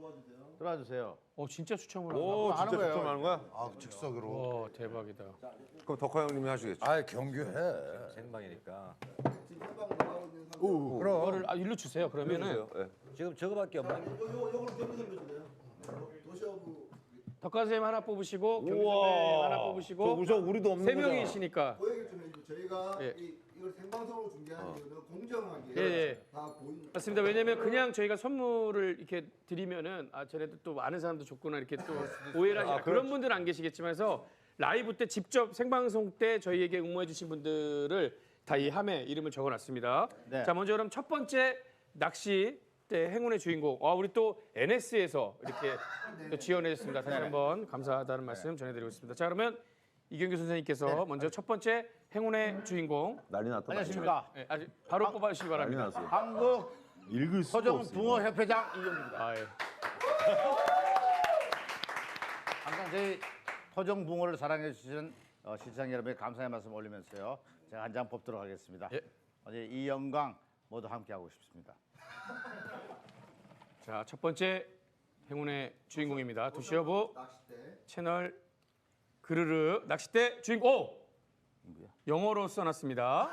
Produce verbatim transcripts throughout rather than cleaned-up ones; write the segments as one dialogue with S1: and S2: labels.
S1: 들어와 주세요.
S2: 어 진짜 추첨을
S3: 오,
S2: 하나?
S3: 진짜 추첨하는 거야?
S4: 아 즉석으로.
S2: 와 대박이다.
S3: 그럼 덕화 형님이 하시겠죠?
S4: 아 경규해.
S5: 생방이니까.
S4: 오, 그럼.
S2: 그거를 아, 일로 주세요. 그러면은
S3: 네.
S5: 지금 저거밖에 없나?
S2: 덕화 선생님 하나 뽑으시고 경규 선생님
S3: 우와.
S2: 하나
S3: 저
S2: 뽑으시고
S3: 우저 우리도 없는
S2: 세
S3: 거잖아.
S2: 명이시니까.
S6: 그 얘기 좀 해주고 저희가
S2: 예.
S6: 이, 이걸 생방송으로 중계하는 이유는 공정하게
S2: 예, 예.
S6: 다 보인.
S2: 맞습니다. 왜냐면 그냥 저희가 선물을 이렇게 드리면은 아 쟤네들 또 아는 사람도 줬구나 이렇게 또 오해를 하지. 아, 그런 분들은 안 계시겠지만 해서 라이브 때 직접 생방송 때 저희에게 응모해 주신 분들을 다 이 함에 이름을 적어놨습니다.
S1: 네.
S2: 자 먼저 그럼 첫 번째 낚시 때 행운의 주인공. 아 우리 또 엔에스에서 이렇게 또 지원해 주셨습니다. 다시 한번 감사하다는 말씀 전해드리고 있습니다. 자 그러면 이경규 선생님께서 먼저 첫 번째 행운의 주인공.
S3: 난리 났다.
S1: 안녕하십니까.
S2: 네, 아주 바로 뽑아주시기
S3: 난리
S2: 바랍니다.
S3: 났어요.
S1: 한국
S3: 읽을 수가
S1: 서정
S3: 없어요.
S1: 붕어 협회장 이경규입니다.
S2: 아, 예.
S1: 항상 저희 토종 붕어를 사랑해 주시는 어, 시청 여러분의 감사의 말씀 올리면서요. 제가 한 장 뽑도록 하겠습니다.
S2: 예.
S1: 어제 이 영광 모두 함께 하고 싶습니다.
S2: 자, 첫 번째 행운의 주인공입니다. 도시여부
S6: 낚싯대.
S2: 채널 그르르 낚싯대 주인공. 오! 영어로 써놨습니다.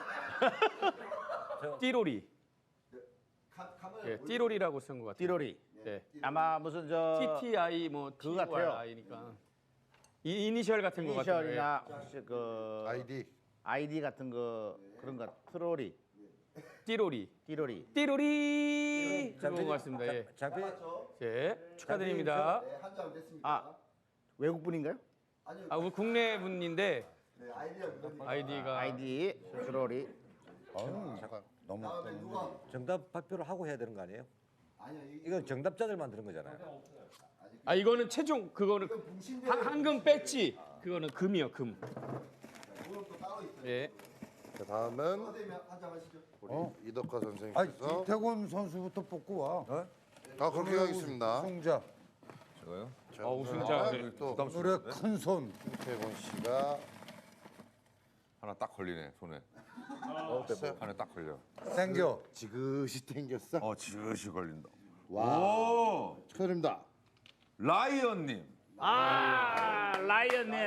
S2: 띠로리.
S6: 카, 카메라
S2: 예,
S6: 보이죠?
S2: 띠로리라고 쓴 것 같아요.
S1: 띠로리.
S2: 예.
S1: 아마 무슨 저
S2: 티티아이 뭐
S1: 그거 같아요.
S2: 티와이니까 이 이니셜 같은 것 같아요.
S1: 이니셜이나 혹시 그
S4: 아이디.
S1: 아이디 같은 거 그런 거 트로리,
S2: 예. 띠로리.
S1: 띠로리.
S2: 띠로리. 그런 것 같습니다. 예.
S5: 장비
S6: 맞죠?
S2: 예. 축하드립니다.
S6: 네, 한 장 됐습니다.
S1: 아. 외국 분인가요?
S6: 아니요.
S2: 아, 우리 국내 분인데
S6: 네, 아이디가 그거니까.
S2: 아이디가
S1: 아이디 트로리.
S4: 어우, 잠깐 너무.
S6: 다음에 누가?
S5: 정답 발표를 하고 해야 되는 거 아니에요?
S6: 아니요. 이-
S5: 이건 정답자들만 들은 거잖아요.
S2: 아 이거는 최종 그거는
S6: 이건 붕신대.
S2: 한, 한금 뺐지. 그거는 금이요, 금.
S6: 오늘 또 따로 있어요.
S2: 예.
S4: 자 다음은
S6: 선생님 한 장 하시죠.
S4: 우리 이덕화
S7: 아,
S4: 선생님께서.
S7: 이태곤 선수부터 뽑고 와.
S4: 아 그렇게 하겠습니다.
S7: 승자.
S3: 저거요?
S4: 자,
S2: 아, 우승자. 네.
S4: 또
S7: 오늘의 큰 손.
S4: 이태곤 씨가
S3: 하나 딱 걸리네 손에.
S4: 어땠어요?
S3: 하나 딱 걸려.
S7: 땡겨.
S4: 지그시 땡겼어.
S3: 어 지그시 걸린다.
S4: 와.
S3: 오
S4: 축하드립니다.
S3: 라이언님.
S1: 아 라이언님,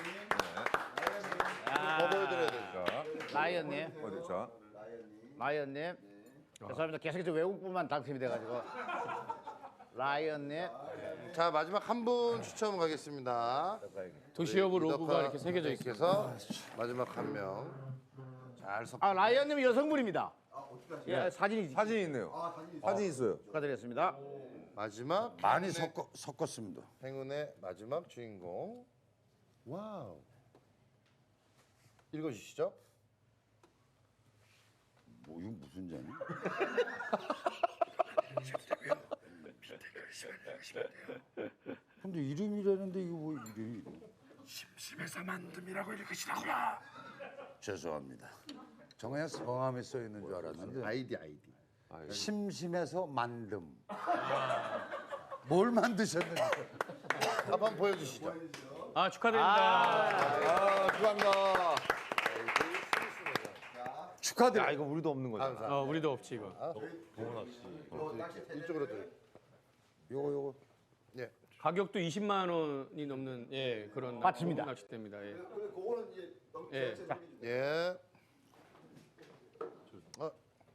S4: 더 보여드려야 돼.
S3: 자
S1: 라이언님,
S3: 어디 자.
S1: 라이언님. 죄송합니다. 계속해서 외국분만 당첨이 돼가지고. 라이언님.
S4: 자 마지막 한 분 추첨 가겠습니다.
S2: 도시여부 로고가
S4: 이덕화
S2: 이렇게 새겨져 있습니다.
S4: 선생님께서 마지막 한 명. 잘 섞.
S1: 아 라이언님은 여성분입니다. 예, 사진이
S3: 사진 있네요.
S6: 아, 사진 있어요.
S3: 사진 있어요.
S1: 축하드리겠습니다.
S4: 마지막
S7: 많이
S4: 행운의-
S7: 섞어, 섞었습니다.
S4: 행운의 마지막 주인공. 와우. 읽어주시죠.
S7: 뭐 이거 무슨 잔이? 근데 이름이라는데 이거 뭐 이름이? 심심해서 만듦이라고 읽으시라고요. 죄송합니다. 정말 성함이 써 있는 줄 알았는데
S4: 아이디 아이디.
S7: 심심해서 만듦. 뭘 만드셨는지.
S4: 한번 보여주시죠.
S2: 아 축하드립니다.
S3: 아 축하합니다.
S7: 축하드려요.
S3: 야 이거 우리도 없는 거잖아.
S4: 감사.
S2: 어, 우리도 없지 이거.
S6: 이거 낚싯대
S4: 이쪽으로 드려.
S7: 요거 요거.
S4: 예.
S2: 가격도 이십만 원이 넘는 예 그런
S1: 맞습니다.
S2: 낚싯대입니다. 예.
S6: 그리고 그거는 이제 너무
S2: 예.
S6: 전체 생기죠.
S4: 예. 어,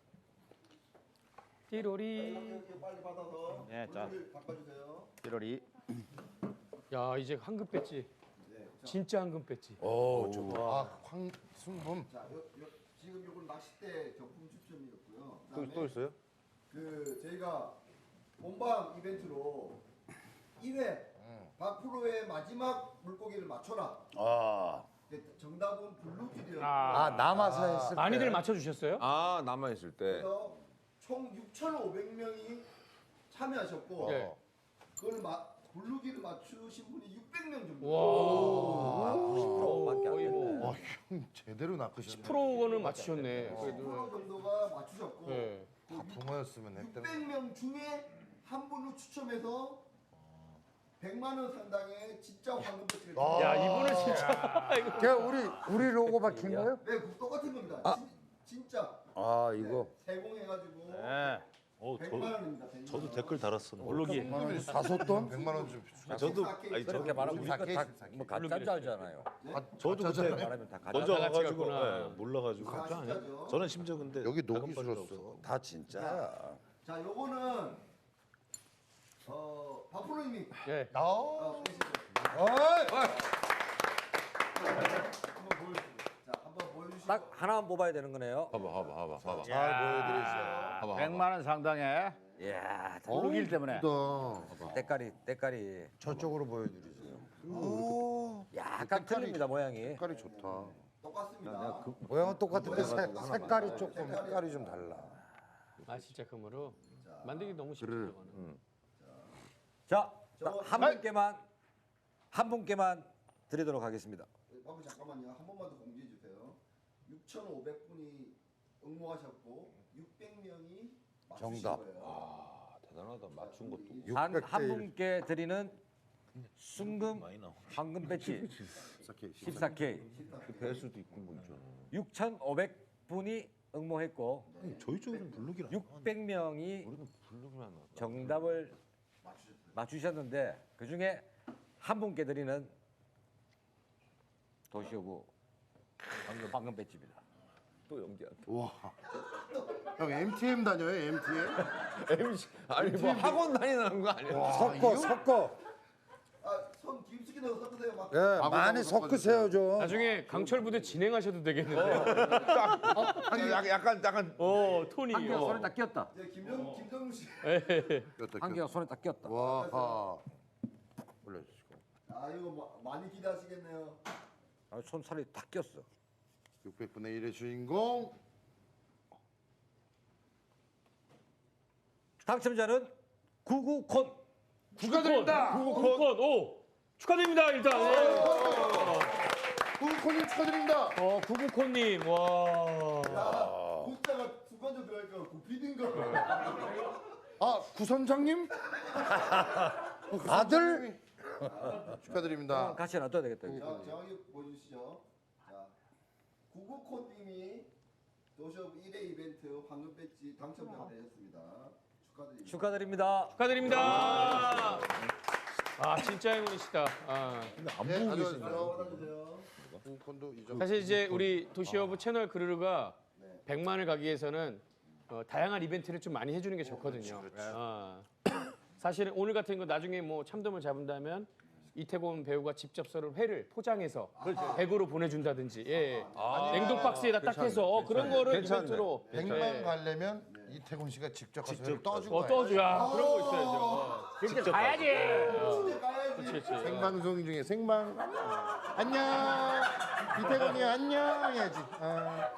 S2: 띠로리.
S6: 이거 빨리 받아서
S1: 예, 자.
S6: 물을 바꿔주세요.
S1: 띠로리.
S2: 야 이제 한금 뺐지. 진짜 한금 뺐지.
S4: 오, 아, 황순범.
S6: 자, 요, 요, 지금 요건 낚싯대 경품 추첨이었고요.
S3: 또,
S6: 그다음에
S3: 또 있어요?
S6: 그 저희가 본방 이벤트로 일 회 박프로의 마지막 물고기를 맞춰라.
S7: 아,
S6: 네, 정답은 블루길이었고
S7: 아 남아서 했을 때.
S2: 많이들 맞춰주셨어요?
S3: 아 남아 있을 때.
S6: 그래서 총 육천오백 명이 참여하셨고
S2: 예.
S6: 그걸 마, 블루길을 맞추신 분이 육백 명 정도.
S2: 와.
S5: 밖에 안
S2: 거의
S5: 됐네.
S2: 뭐
S4: 와, 형 제대로 낚으셨네.
S2: 십 퍼센트는 맞추셨네.
S6: 십
S2: 그래도.
S6: 퍼센트 정도가 맞추셨고
S2: 예.
S4: 다 붕어였으면 했던.
S6: 육백 명 중에 한 분을 추첨해서 백만 원 상당의 진짜 황금 배지를
S4: 아.
S2: 야 이분은 진짜 이거.
S7: 걔 우리 우리 로고 박힌 거예요?
S6: 네, 그 똑같은 겁니다. 진, 진짜
S7: 아 이거.
S6: 세공해가지고
S1: 예.
S8: 어,
S6: 백만
S8: 저,
S6: 원입니다. 백만
S8: 저도
S6: 원.
S8: 댓글 달았었는데.
S2: 블로기.
S7: 사소돈 백만 원 좀.
S8: 아, 저도
S5: 아니, 그렇게 말하면 우리가
S7: 십사 K,
S5: 다뭐 가짜인 줄 알잖아요.
S8: 저도 그때
S5: 말하면 다 가짜.
S8: 먼저
S2: 다 같이
S8: 가가지고
S2: 갔구나.
S8: 예, 몰라가지고
S6: 가짜 아니에요?
S8: 저는 심지어 근데
S7: 여기 녹이
S8: 작은 바지도
S7: 줄었어.
S8: 없어서.
S7: 다 진짜야.
S6: 자, 요거는 어 박프로님이
S2: 예.
S6: 어, 계시죠?
S7: 어이!
S6: 한번 보여주세요. 자, 한번 보여주시고.
S5: 딱 하나만 뽑아야 되는 거네요.
S3: 봐봐, 봐봐, 봐봐, 봐봐.
S7: 잘 보여드리세요.
S3: 봐봐,
S1: 백만 원 상당의
S5: 이야,
S1: 블루길 때문에.
S7: 예쁘다.
S5: 때깔이 때깔이
S7: 저쪽으로 보여드리세요. 오,
S5: 약간 틀립니다 모양이.
S7: 색깔이 좋다.
S6: 똑같습니다.
S7: 모양은 똑같은데 색, 색깔이 조금 색깔이 좀 달라.
S2: 아 진짜 금으로 만들기 너무 쉽죠. 저거는.
S5: 자,
S6: 저거-
S5: 한 분께만 한 분께만 드리도록 하겠습니다.
S6: 바보 잠깐만요. 한 번만 더 공지해 주세요. 육천오백 분이 응모하셨고 육백 명이 맞추신
S7: 정답.
S6: 거예요.
S3: 아, 대단하다. 맞춘 것도.
S5: 한
S7: 육백 대
S5: 한
S7: 일.
S5: 분께 드리는 순금
S8: 많이 나오네.
S5: 황금 배지
S7: 십사 K.
S5: 십사 케이
S3: 배수도 있고 뭐 있잖아.
S5: 육천오백 분이 응모했고
S8: 저희 쪽에는 블루기라.
S5: 육백 명이
S3: 우리는 블루기만 나왔다.
S5: 정답을 맞추셨는데 그 중에 한 분께 드리는 도시오구 황금, 황금 배지입니다.
S3: 또 연기한다.
S7: 와. 형 엠티엠 다녀요? 엠티엠?
S3: 엠씨 아니 뭐 학원 다니는 거 아니야?
S7: 섞어 섞어.
S6: 아, 손 깊숙이 넣어서 섞으세요. 막.
S7: 예, 많이 섞으세요 좀.
S2: 나중에 강철 부대 진행하셔도 되겠는데.
S3: 아니 약간 약간 약간
S2: 어 톤이.
S5: 한개가 손에
S2: 어.
S5: 딱 끼었다.
S6: 이제 김정 김정우 씨.
S5: 한개가 손에 딱 끼었다.
S7: 와. 올려주시고.
S6: 아, 이거 뭐, 많이 기대하시겠네요.
S5: 아, 손살이 딱 끼었어.
S7: 육백 분의 일의 주인공.
S5: 당첨자는 구구콘.
S2: 축하드립니다. 구구콘. 오 축하드립니다 일단. 예.
S7: 후코님 축하드립니다.
S2: 어 구구콘님 와.
S6: 야, 구자가 순간적으로 들어가니까 구피딘 거.
S7: 아 구선장님? 아들? 축하드립니다.
S5: 같이 놔둬야 되겠다.
S6: 자, 정확히 보여주시죠. 자, 구구콘님이 도시오브 일 회 이벤트 황금 배지 당첨자가 되셨습니다. 축하드립니다.
S5: 축하드립니다.
S2: 축하드립니다. 아 진짜 행운이시다. 아.
S8: 안
S7: 네,
S8: 보고
S7: 가져가세요.
S8: 계시네요.
S6: 받아주세요.
S7: 후콘도 이 정도.
S2: 사실 이제 우리 도시어부 채널 그르르가 백만을 가기 위해서는 어, 다양한 이벤트를 좀 많이 해주는 게 좋거든요. 아. 사실은 오늘 같은 거 나중에 뭐 참돔을 잡은다면 이태곤 배우가 직접 썰은 회를 포장해서 백으로 보내준다든지, 예. 냉동 박스에다 딱 해서 어, 그런 거를
S3: 괜찮네.
S2: 이벤트로
S7: 백만
S2: 예.
S7: 가려면 이태곤 씨가 직접 가서 회를 떠주고
S2: 어
S7: 가야지.
S2: 떠줘야 그런 거 있어야죠.
S8: 직접
S2: 가야지.
S6: 진짜 가야지.
S2: 그렇지, 그렇지.
S7: 생방송 중에 생방 안녕 이태곤이 안녕 해야지. 아.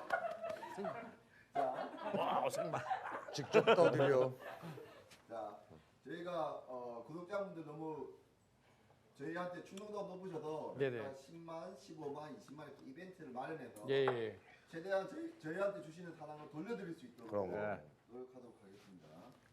S7: 와 생방 직접 떠드려.
S6: 자, 저희가 어, 구독자분들 너무 저희한테 충동도가 높으셔서
S2: 네네.
S6: 저희가 십만, 십오만, 이십만 이렇게 이벤트를 마련해서
S2: 예, 예.
S6: 최대한 저희, 저희한테 주시는 사랑을 돌려드릴 수 있도록
S7: 그런 거.
S6: 노력하도록 하겠습니다.